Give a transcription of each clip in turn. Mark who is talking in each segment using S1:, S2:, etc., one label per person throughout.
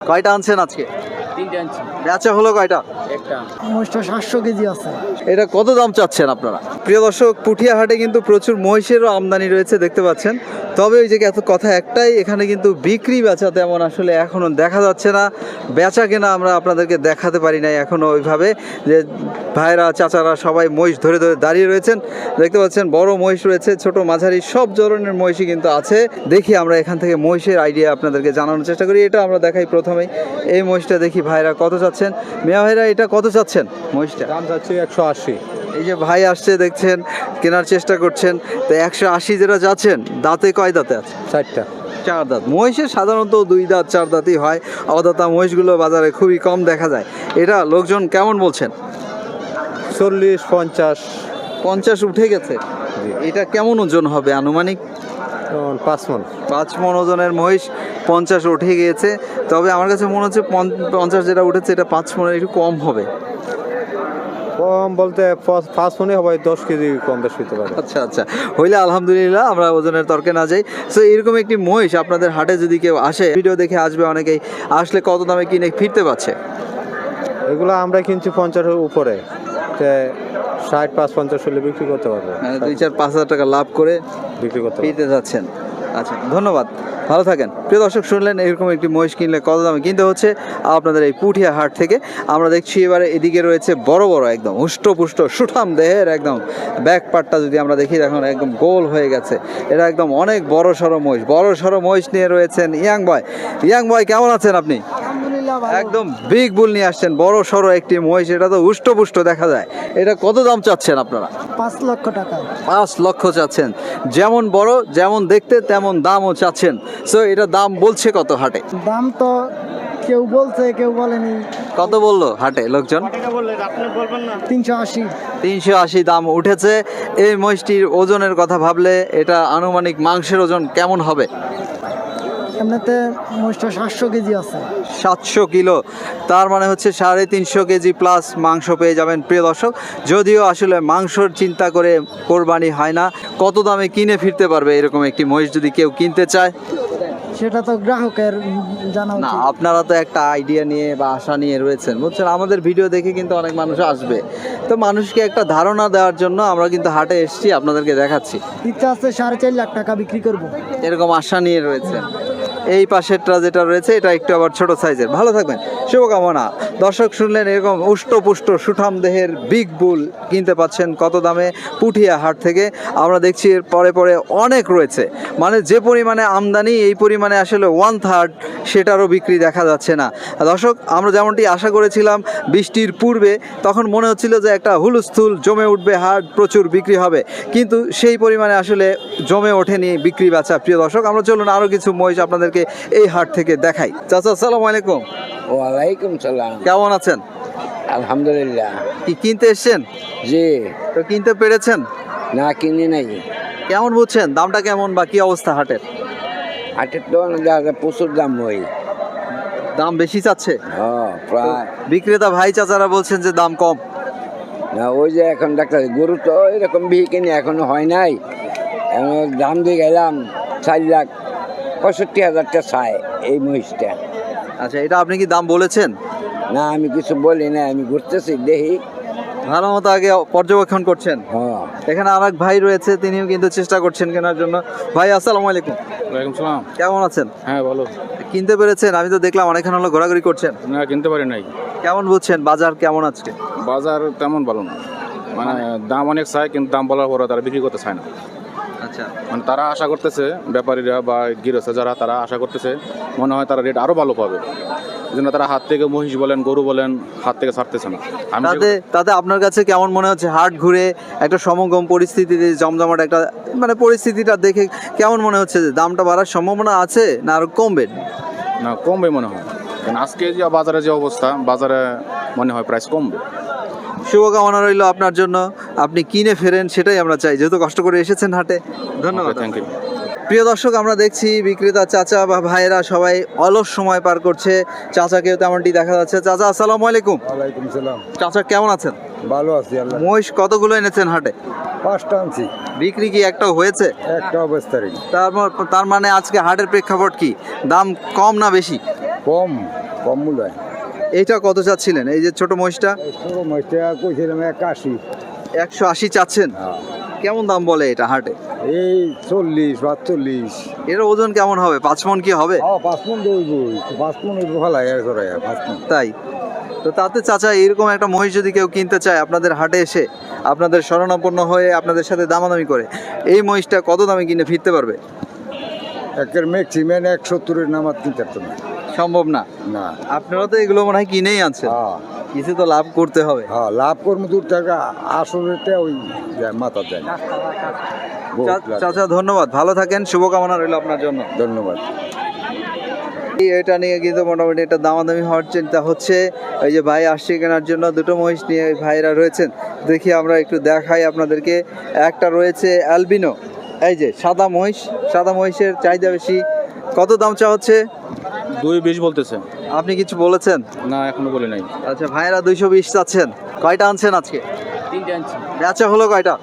S1: কয়টা আনছেন আজকে?
S2: তিনটে আনছি।
S1: বেচা হলো কয়টা?
S2: একটা।
S3: মহিষটা 700 কেজি আছে।
S1: এটা কত দাম চাচ্ছেন আপনারা? প্রিয় দর্শক, পুঠিয়া হাটে কিন্তু প্রচুর মহিষেরও আমদানি রয়েছে দেখতে পাচ্ছেন। তবে ওই যে এত কথা একটাই, এখানে কিন্তু বিক্রি বেচা তেমন আসলে এখনো দেখা যাচ্ছে না। বেচা কেনা আমরা আপনাদেরকে দেখাতে পারি নাই এখনো ওইভাবে, যে ভাইরা চাচারা সবাই মহিষ ধরে ধরে দাঁড়িয়ে রয়েছেন দেখতে পাচ্ছেন। বড় মহিষ রয়েছে, ছোট মাঝারি সব ধরনের মহিষই কিন্তু আছে। দেখি আমরা এখান থেকে মহিষের আইডিয়া আপনাদেরকে জানানোর চেষ্টা করি। এটা আমরা দেখাই প্রথমেই, এই মহিষটা দেখি ভাইরা কত চাচ্ছেন। মিয়া ভাইরা এটা কত চাচ্ছেন মহিষটা?
S4: দাম যাচ্ছে 180।
S1: এই যে ভাই আসছে দেখছেন, কেনার চেষ্টা করছেন। তো 180 যেটা যাচ্ছেন, দাঁতে কয় দাঁতে আছে?
S4: 4টা।
S1: 4 দাঁত। মহিষের সাধারণত 2 দাঁত 4 দাঁতই হয়। অদাতা মহিষগুলো বাজারে খুবই কম দেখা যায়। এটা লোকজন কেমন বলছেন?
S4: 40, 50,
S1: 50 উঠে গেছে। এটা কেমন ওজন হবে আনুমানিক?
S4: 5 মণ।
S1: 5 মণ ওজনের মহিষ 50 উঠে গিয়েছে। তবে আমার কাছে মনে হচ্ছে 50 যেটা উঠেছে এটা 5 মণের একটু কম হবে।
S4: কম বলতে 5 মণই হবে, 10 কেজি কম বেশি হতে পারে।
S1: আচ্ছা আচ্ছা, হইলে আলহামদুলিল্লাহ, আমরা ওজনের তর্কে না যাই। সো এরকম একটি মহিষ আপনাদের হাটে যদি কেউ আসে, ভিডিও দেখে আসবে অনেকেই, আসলে কত দামে কিনে ফিরতে পারছে?
S4: এগুলো আমরা কিনছি 50-এর উপরে, 60-50 হলে বিক্রি করতে পারবো।
S1: 2-4-5 হাজার টাকা লাভ করে
S4: বিক্রি করতে পারবো।
S1: ফিরতে যাচ্ছেন। আচ্ছা, ধন্যবাদ, ভালো থাকেন। প্রিয় দর্শক, শুনলেন এরকম একটি মহিষ কিনলে কত দামে কিনতে হচ্ছে আপনাদের এই পুঠিয়া হাট থেকে। আমরা দেখছি এবারে এদিকে রয়েছে বড় বড় একদম হুষ্টপুষ্ট সুঠাম দেহের একদম ব্যাক পার্টটা যদি আমরা দেখি, এখন একদম গোল হয়ে গেছে। এটা একদম অনেক বড় সড়ো মহিষ, বড় সড়ো মহিষ নিয়ে রয়েছেন ইয়াং বয়। ইয়াং বয়, কেমন আছেন আপনি?
S3: আলহামদুলিল্লাহ ভালো।
S1: একদম বিগ বুল নিয়ে আসছেন, বড় সড়ো একটি মহিষ। এটা তো হুষ্টপুষ্ট দেখা যায়। এটা কত দাম চাচ্ছেন আপনারা?
S3: 5 লক্ষ টাকা।
S1: 5 লক্ষ চাচ্ছেন। যেমন বড়, যেমন দেখতে, তেমন দামও চাচ্ছেন। সো এটা দাম বলছে কত হাটে?
S3: দাম তো কেউ বলছে, কেউ বলেনি।
S1: কত বললো হাটে লোকজন?
S3: 380।
S1: 380 দাম উঠেছে। এই মহিষটির ওজনের কথা ভাবলে এটা আনুমানিক মাংসের ওজন কেমন হবে?
S3: এমনিতে মহিষটা 700 কেজি আছে।
S1: 700 কিলো, তার মানে হচ্ছে 350 কেজি প্লাস মাংস পেয়ে যাবেন প্রিয় দর্শক। যদিও আসলে মাংসর চিন্তা করে কোরবানি হয় না। কত দামে কিনে ফিরতে পারবে এরকম একটি মহিষ যদি কেউ কিনতে চায়?
S3: সেটা তো গ্রাহকের জানা
S1: না,
S3: উচিত।
S1: আপনারা তো একটা আইডিয়া নিয়ে বা আশা নিয়ে রয়েছেন, বুঝছেন। আমাদের ভিডিও দেখে কিন্তু অনেক মানুষ আসবে, তো মানুষকে একটা ধারণা দেওয়ার জন্য আমরা কিন্তু হাটে এসেছি, আপনাদেরকে দেখাচ্ছি।
S3: ইচ্ছা আছে 4.5 লাখ টাকা বিক্রি করব।
S1: এরকম আশা নিয়ে রয়েছেন। এই পাশেরটা যেটা রয়েছে এটা একটু আবার ছোট সাইজের। ভালো থাকবেন, শুভকামনা। দর্শক, শুনলেন এরকম উষ্টপুষ্ট সুঠাম দেহের বিগ বুল কিনতে পাচ্ছেন কত দামে? পুঠিয়া হাট থেকে। আমরা দেখছি এর পরে পরে অনেক রয়েছে, মানে যে পরিমাণে আমদানি, এই পরিমাণে আসলে 1/3 সেটারও বিক্রি দেখা যাচ্ছে না। দর্শক, আমরা যেমনটি আশা করেছিলাম বৃষ্টির পূর্বে, তখন মনে হচ্ছিল যে একটা হুলস্থুল জমে উঠবে, হাট প্রচুর বিক্রি হবে, কিন্তু সেই পরিমাণে আসলে জমে ওঠেনি বিক্রি বাচ্চা। প্রিয় দর্শক, আমরা চলুন আরও কিছু মহিষ আপনাদেরকে এই হাট থেকে দেখাই। চাচা, আসসালামু আলাইকুম।
S2: ওয়ালাইকুম সালাম।
S1: কেমন আছেন?
S2: আলহামদুলিল্লাহ।
S1: কি কিনতে এসছেন?
S2: জি।
S1: তো কিনতে পেরেছেন?
S2: না, কিনি নাই।
S1: কেমন বুঝছেন দামটা কেমন বা কি অবস্থা হাটের?
S2: হাটের তো প্রচুর দাম হয়।
S1: দাম বেশি চাচ্ছে?
S2: হ্যাঁ, প্রায়।
S1: বিক্রেতা ভাই চাচারা বলছেন যে দাম কম।
S2: না, ওই যে এখন ডাক্তার গরু তো এরকম বিহি কিনে এখনো হয় নাই। এখন দাম দিয়ে গেলাম 4,65,000 চাই এই মহিষটা।
S1: আচ্ছা, এটা আপনি কি দাম বলেছেন?
S2: না, আমি কিছু বলি না, আমি ঘুরতেছি দেখি।
S1: ভালো মতো আগে পর্যবেক্ষণ করছেন।
S2: হ্যাঁ।
S1: এখানে আর এক ভাই রয়েছে, তিনিও কিন্তু চেষ্টা করছেন কেনার জন্য। ভাই, আসসালামু আলাইকুম।
S5: ওয়ালাইকুম সালাম।
S1: কেমন আছেন?
S5: হ্যাঁ, বলো।
S1: কিনতে পেরেছেন? আমি তো দেখলাম অনেকক্ষণ হলো ঘোরাঘুরি করছেন।
S5: না, কিনতে পারি নাই।
S1: কেমন বুঝছেন বাজার কেমন আজকে?
S5: বাজার তেমন ভালো না, মানে দাম অনেক চায়, কিন্তু দাম বলার পরে তারা বিক্রি করতে চায় না।
S1: আচ্ছা,
S5: মানে তারা আশা করতেছে, ব্যাপারীরা বা গৃহস্থ যারা, তারা আশা করতেছে মনে হয় তারা রেট আরও ভালো পাবে, এই জন্য তারা হাত থেকে মহিষ বলেন, গরু বলেন, হাত থেকে ছাড়তেছে না। আমি
S1: তাতে আপনার কাছে কেমন মনে হচ্ছে? হাট ঘুরে একটা সমগম পরিস্থিতিতে জমজমাট একটা মানে পরিস্থিতিটা দেখে কেমন মনে হচ্ছে যে দামটা বাড়ার সম্ভাবনা আছে না আরো কমবে?
S5: না, কমবে মনে হয়, কারণ আজকে যে বাজারে যে অবস্থা, বাজারে মনে হয় প্রাইস কমবে।
S1: শুভকামনা রইল আপনার জন্য, আপনি কিনে ফেরেন সেটাই আমরা চাই, যেহেতু কষ্ট করে এসেছেন হাটে। ধন্যবাদ।
S5: Thank you.
S1: প্রিয় দর্শক, আমরা দেখছি বিক্রেতা চাচা বা ভাইয়েরা সবাই অলস সময় পার করছে। চাচাকেও তেমনটি দেখা যাচ্ছে। চাচা, আসসালামু আলাইকুম।
S4: ওয়ালাইকুম সালাম।
S1: চাচা, কেমন আছেন?
S4: ভালো আছি আল্লাহ।
S1: মহিষ কতগুলো এনেছেন হাটে?
S4: 5টা আনছি।
S1: বিক্রি কি একটাও হয়েছে?
S4: একটা অবস্থারই।
S1: তার মানে আজকে হাটের প্রেক্ষাপট কি? দাম কম না বেশি?
S2: কম কম মূল্য হয়।
S1: এইটা কত চাচ্ছিলেন, এই যে ছোট মহিষটা?
S2: ছোট মহিষটা কইছিলাম 81।
S1: 180 চাচ্ছেন? কেমন দাম বলে এটা হাটে?
S2: এই 40-42।
S1: এর ওজন কেমন হবে, 5 মণ কি হবে?
S2: 5 মণ দইব, 5 মণ ভালো লাগে 5 মণ।
S1: তাই তো তাতে চাচা এরকম একটা মহিষ যদি কেউ কিনতে চায় আপনাদের হাটে এসে, আপনাদের শরণাপন্ন হয়ে আপনাদের সাথে দামাদামি করে, এই মহিষটা কত দামে কিনে ফিরতে পারবে?
S2: একের ম্যাক্সিমাম 170-এর নামাত কিনতে পারতো না।
S1: সম্ভব না।
S2: না।
S1: আপনারা তো এগুলো মনে হয় কিনেই আনছেন, কিছু তো লাভ করতে হবে।
S2: লাভ করবো 2 টাকা, আসলেটা ওই মাথা দেয়।
S1: চাচা ধন্যবাদ, ভালো থাকেন, শুভকামনা রইল আপনার জন্য।
S2: ধন্যবাদ।
S1: এটা নিয়ে কিন্তু মোটামুটি একটা দামাদামি হওয়ার চিন্তা হচ্ছে। ওই যে ভাই আসছে কেনার জন্য, দুটো মহিষ নিয়ে ভাইরা রয়েছেন, দেখি আমরা একটু দেখাই আপনাদেরকে। একটা রয়েছে অ্যালবিনো, এই যে সাদা মহিষ, সাদা মহিষের চাহিদা বেশি। কত দাম চা হচ্ছে?
S5: 220 বলতেছে।
S1: আপনি কিছু বলেছেন?
S5: না, এখনো বলি নাই।
S1: আচ্ছা, ভাইরা 220 চাচ্ছেন। কয়টা আনছেন আজকে?
S5: 3টে আনছি।
S1: বেচা হলো কয়টা?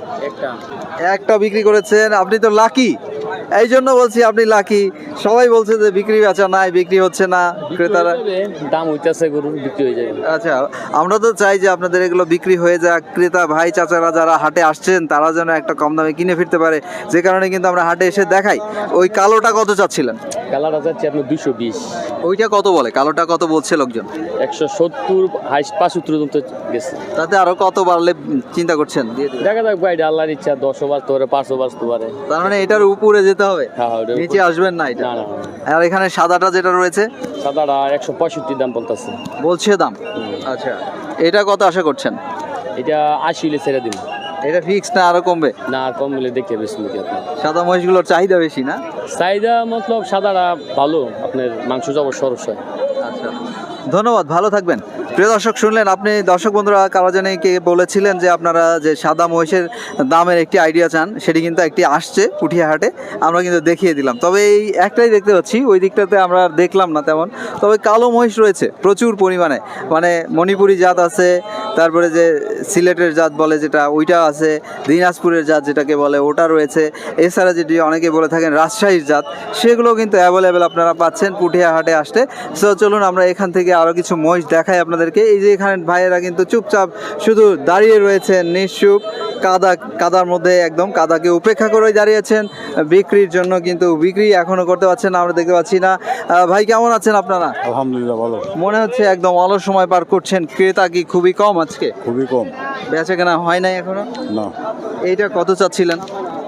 S1: একটা বিক্রি করেছেন। আপনি তো লাকি, এই জন্য বলছি আপনি লাকি। সবাই বলছে যে বিক্রি বেচা নাই, বিক্রি হচ্ছে না, ক্রেতারা
S6: দাম হইতাছে, গরুর বিক্রি হয়ে যাবে।
S1: আচ্ছা, আমরা তো চাই যে আপনাদের এগুলো বিক্রি হয়ে যাক, ক্রেতা ভাই চাচারা যারা হাটে আসছেন তারা যেন একটা কম দামে কিনে ফিরতে পারে, যে কারণে কিন্তু আমরা হাটে এসে দেখাই। ওই কালোটা কত চাচ্ছিলেন?
S6: কালারটা যাচ্ছে আপনার 220।
S1: ওইটা কত বলে? কালোটা কত বলছে লোকজন?
S6: 170, 75 পর্যন্ত গেছে।
S1: তাতে আরো কত বাড়লে চিন্তা করছেন? দিয়ে দিবেন।
S6: দেখা যাক ভাই, আল্লাহর ইচ্ছা, 10 বাজতে পারে, 5 বাজতে পারে।
S1: তার মানে এটার উপরে যেতে হবে,
S6: হ্যাঁ, ওটার উপরে।
S1: নিচে আসবেন না এটা?
S6: না না,
S1: আর এখানে সাদাটা যেটা রয়েছে
S6: সাদাটা 165 দাম বলতেছে,
S1: বলছে দাম। আচ্ছা, এটা কত আশা করছেন?
S6: এটা 80 হলে ছেড়ে দিন।
S1: এটা ফিক্স না আরো কমবে?
S6: না, আর কম হলে দেখে বেশি নাকি আপনার।
S1: সাদা মহিষগুলোর চাহিদা বেশি না?
S6: চাহিদা মতলব সাদাটা ভালো, আপনার মাংস যাবো সরস হয়।
S1: আচ্ছা, ধন্যবাদ, ভালো থাকবেন। প্রিয় দর্শক, শুনলেন আপনি, দর্শক বন্ধুরা কারা জানি কে বলেছিলেন যে আপনারা যে সাদা মহিষের দামের একটি আইডিয়া চান, সেটি কিন্তু একটি আসছে পুঠিয়া হাটে, আমরা কিন্তু দেখিয়ে দিলাম। তবে এই একটাই দেখতে পাচ্ছি, ওই দিকটাতে আমরা আর দেখলাম না তেমন। তবে কালো মহিষ রয়েছে প্রচুর পরিমাণে, মানে মণিপুরি জাত আছে, তারপরে যে সিলেটের জাত বলে যেটা ওইটা আছে, দিনাজপুরের জাত যেটাকে বলে ওটা রয়েছে, এছাড়া যেটি অনেকে বলে থাকেন রাজশাহীর জাত, সেগুলো কিন্তু অ্যাভেলেবেল আপনারা পাচ্ছেন পুঠিয়া হাটে আসতে। সো চলুন আমরা এখান থেকে আরও কিছু মহিষ দেখাই আপনাদেরকে। এই যে এখানে ভাইয়েরা কিন্তু চুপচাপ শুধু দাঁড়িয়ে রয়েছেন, নিশ্চুপ, কাদার মধ্যে একদম কাদাকে উপেক্ষা করে দাঁড়িয়েছেন বিক্রির জন্য, কিন্তু বিক্রি এখনো করতে পারছেন না, আমরা দেখতে পাচ্ছি না। ভাই কেমন আছেন আপনারা?
S4: আলহামদুলিল্লাহ ভালো।
S1: মনে হচ্ছে একদম অলস সময় পার করছেন, ক্রেতা কি খুবই কম আজকে?
S4: খুবই কম।
S1: বেচা কেনা হয় নাই এখনো?
S4: না।
S1: এইটা কত চাচ্ছিলেন?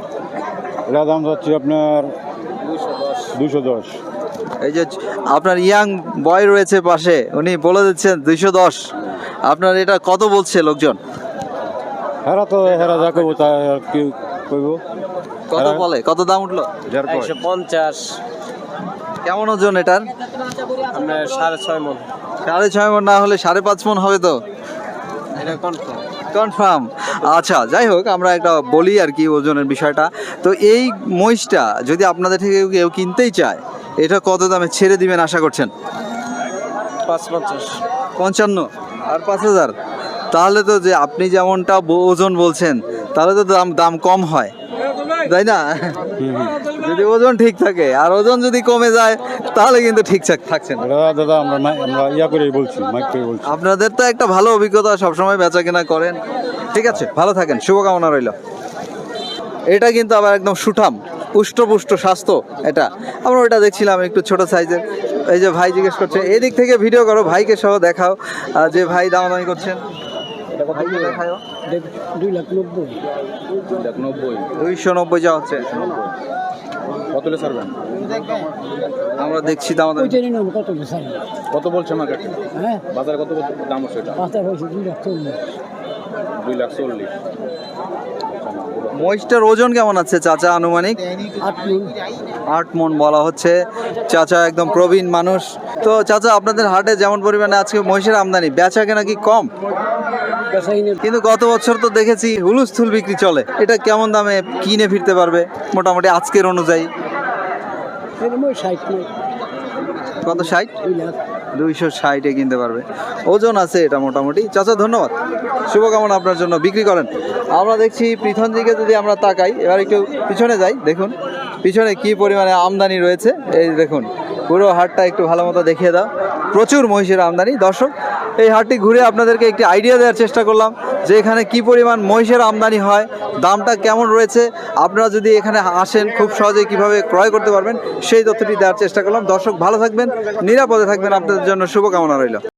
S4: এটা দাম যাচ্ছে আপনার 210।
S1: এই যে আপনার ইয়াং বয় রয়েছে পাশে, উনি বলে দিচ্ছেন 210। আপনার এটা কত বলছে লোকজন?
S4: হেরা যা করবো তা আর কি কইব।
S1: কত বলে, কত দাম উঠলো?
S6: 150।
S1: কেমন ওজন এটার?
S6: আপনার 6.5 মণ।
S1: 6.5 মণ না হলে 5.5 মণ হবে তো?
S6: এটা কনফার্ম।
S1: কনফার্ম। আচ্ছা, যাই হোক, আমরা একটা বলি আর কি ওজনের বিষয়টা। তো এই মহিষটা যদি আপনাদের থেকে কেউ কিনতেই চায়, এটা কত দামে ছেড়ে দিবেন আশা করছেন?
S6: 550।
S1: 55 আর 5000? তাহলে তো যে আপনি যেমনটা ওজন বলছেন, তাহলে তো দাম কম হয়, তাই না? যদি ওজন ঠিক থাকে, আর ওজন যদি কমে যায় তাহলে কিন্তু ঠিকঠাক থাকছেন।
S4: দাদা আমরা ইয়া করে বলছি, মাইক করে বলছি।
S1: আপনাদের তো একটা ভালো অভিজ্ঞতা, সবসময় বেচা কেনা করেন। ঠিক আছে, ভালো থাকেন, শুভকামনা রইল। এটা কিন্তু আবার একদম সুঠাম, পুষ্ট স্বাস্থ্য। এটা আমরা ওইটা দেখছিলাম একটু ছোট সাইজের। এই যে ভাই জিজ্ঞেস করছে, এদিক থেকে ভিডিও করো, ভাইকে সহ দেখাও যে ভাই দামাদামি করছেন। ভাইকে দেখাও।
S3: 290।
S1: 290 যা হচ্ছে।
S5: কত হলে ছাড়বেন?
S1: আমরা দেখছি দামাদামি।
S5: কত বলছে মার্কেট?
S3: হ্যাঁ,
S5: বাজারে কত দাম হচ্ছে এটা?
S3: 240।
S5: 240।
S1: মহিষটার ওজন কেমন আছে চাচা আনুমানিক? 8 মণ বলা হচ্ছে। চাচা একদম প্রবীণ মানুষ। তো চাচা, আপনাদের হাটে যেমন পরিমাণে আজকে মহিষের আমদানি, বেচা কেনা কি কম? কিন্তু গত বছর তো দেখেছি হুলুস্থুল বিক্রি চলে। এটা কেমন দামে কিনে ফিরতে পারবে মোটামুটি আজকের অনুযায়ী? কত? 60? 260-এ কিনতে পারবে, ওজন আছে এটা মোটামুটি। চাচা ধন্যবাদ, শুভকামনা আপনার জন্য, বিক্রি করেন। আমরা দেখছি পিছন দিকে যদি আমরা তাকাই, এবার একটু পিছনে যাই, দেখুন পিছনে কি পরিমাণে আমদানি রয়েছে। এই দেখুন পুরো হাটটা একটু ভালো মতো দেখিয়ে দাও। প্রচুর মহিষের আমদানি। দর্শক, এই হাটটি ঘুরে আপনাদেরকে একটি আইডিয়া দেওয়ার চেষ্টা করলাম যে এখানে কি পরিমাণ মহিষের আমদানি হয়, দামটা কেমন রয়েছে। আপনারা যদি এখানে আসেন খুব সহজেই কিভাবে ক্রয় করতে পারবেন সেই তথ্যটি দেওয়ার চেষ্টা করলাম। দর্শক ভালো থাকবেন, নিরাপদে থাকবেন, আপনাদের জন্য শুভকামনা রইল।